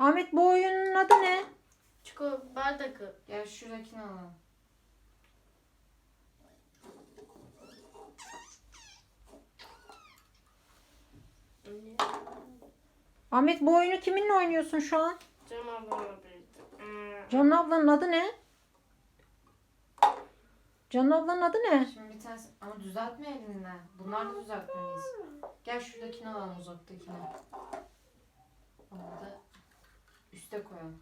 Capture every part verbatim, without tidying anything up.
Ahmet, bu oyunun adı ne? Çikolata bardak. Gel şuradakini alalım. Ahmet, bu oyunu kiminle oynuyorsun şu an? Canım ablamla birlikte. Canan ablanın adı ne? Canan ablanın adı ne? Şimdi bir tanesi ama düzeltme elinden. Bunlar da düzeltmeliyiz. Gel şuradakini alalım, uzaktakini. Onu da üste koyalım.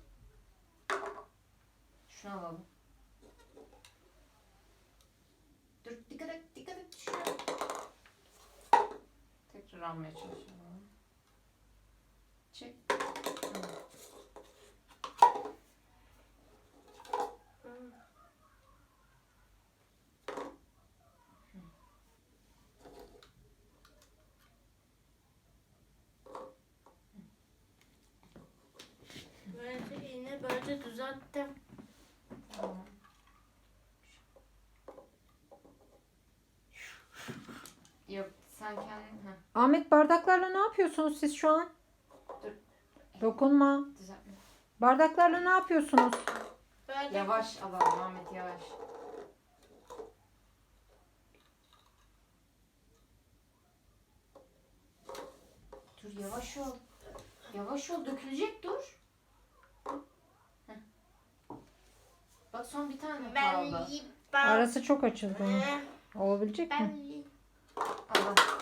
Şunu alalım. Dur, dikkat et, dikkat et, düşüyor. Tekrar almaya çalışıyorum. Çek. Hı. Böylece yine böylece düzelttim. Tamam. Yok, sen kendin... Heh, Ahmet, bardaklarla ne yapıyorsunuz siz şu an? dur. Dokunma. Düzeltme. Bardaklarla ne yapıyorsunuz? Bardak. Yavaş alalım Ahmet, yavaş. Dur, yavaş ol. Yavaş ol, dökülecek, dur. Heh. Bak, son bir tane Ben kaldı. yiyip ben. Arası çok açıldı. Olabilecek Ben mi? yiyip. Allah.